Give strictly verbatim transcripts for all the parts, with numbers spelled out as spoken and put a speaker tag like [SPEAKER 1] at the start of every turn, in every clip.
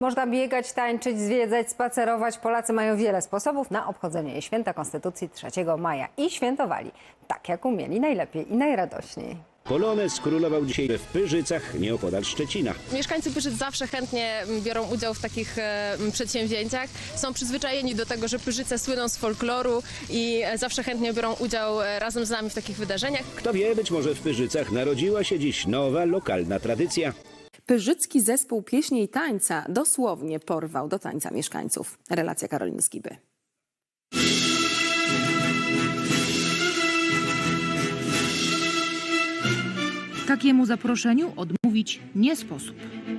[SPEAKER 1] Można biegać, tańczyć, zwiedzać, spacerować. Polacy mają wiele sposobów na obchodzenie święta Konstytucji trzeciego maja i świętowali tak, jak umieli, najlepiej i najradośniej.
[SPEAKER 2] Polonez królował dzisiaj w Pyrzycach, nieopodal Szczecina.
[SPEAKER 3] Mieszkańcy Pyrzyc zawsze chętnie biorą udział w takich e, przedsięwzięciach. Są przyzwyczajeni do tego, że Pyrzyce słyną z folkloru i zawsze chętnie biorą udział e, razem z nami w takich wydarzeniach.
[SPEAKER 2] Kto wie, być może w Pyrzycach narodziła się dziś nowa, lokalna tradycja.
[SPEAKER 4] Pyrzycki zespół pieśni i tańca dosłownie porwał do tańca mieszkańców. Relacja Karoliny Skiby.
[SPEAKER 5] Takiemu zaproszeniu odmówić nie sposób.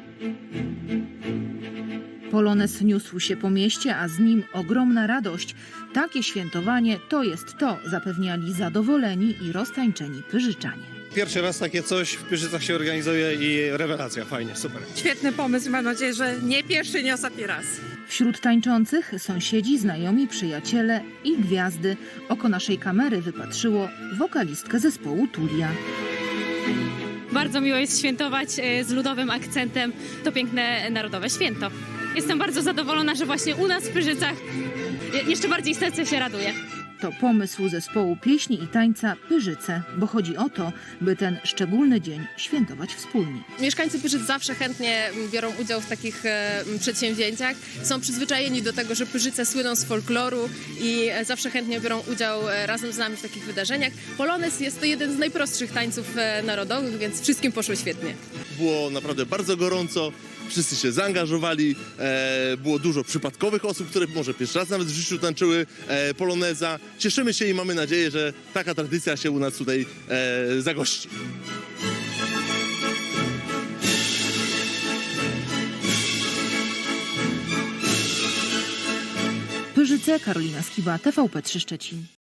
[SPEAKER 5] Polonez niósł się po mieście, a z nim ogromna radość. Takie świętowanie to jest to, zapewniali zadowoleni i roztańczeni Pyrzyczanie.
[SPEAKER 6] Pierwszy raz takie coś w Pyrzycach się organizuje i rewelacja, fajnie, super.
[SPEAKER 7] Świetny pomysł, mam nadzieję, że nie pierwszy, nie ostatni raz.
[SPEAKER 5] Wśród tańczących sąsiedzi, znajomi, przyjaciele i gwiazdy. Oko naszej kamery wypatrzyło wokalistkę zespołu Tulia.
[SPEAKER 8] Bardzo miło jest świętować z ludowym akcentem to piękne narodowe święto. Jestem bardzo zadowolona, że właśnie u nas w Pyrzycach jeszcze bardziej serce się raduje.
[SPEAKER 5] To pomysł zespołu pieśni i tańca Pyrzyce, bo chodzi o to, by ten szczególny dzień świętować wspólnie.
[SPEAKER 3] Mieszkańcy Pyrzyc zawsze chętnie biorą udział w takich e, przedsięwzięciach. Są przyzwyczajeni do tego, że Pyrzyce słyną z folkloru i e, zawsze chętnie biorą udział e, razem z nami w takich wydarzeniach. Polonez jest to jeden z najprostszych tańców e, narodowych, więc wszystkim poszło świetnie.
[SPEAKER 9] Było naprawdę bardzo gorąco, wszyscy się zaangażowali, e, było dużo przypadkowych osób, które może pierwszy raz nawet w życiu tańczyły e, poloneza. Cieszymy się i mamy nadzieję, że taka tradycja się u nas tutaj e, zagości.
[SPEAKER 5] Pyrzyce, Karolina Skiba, T V P trzy Szczecin.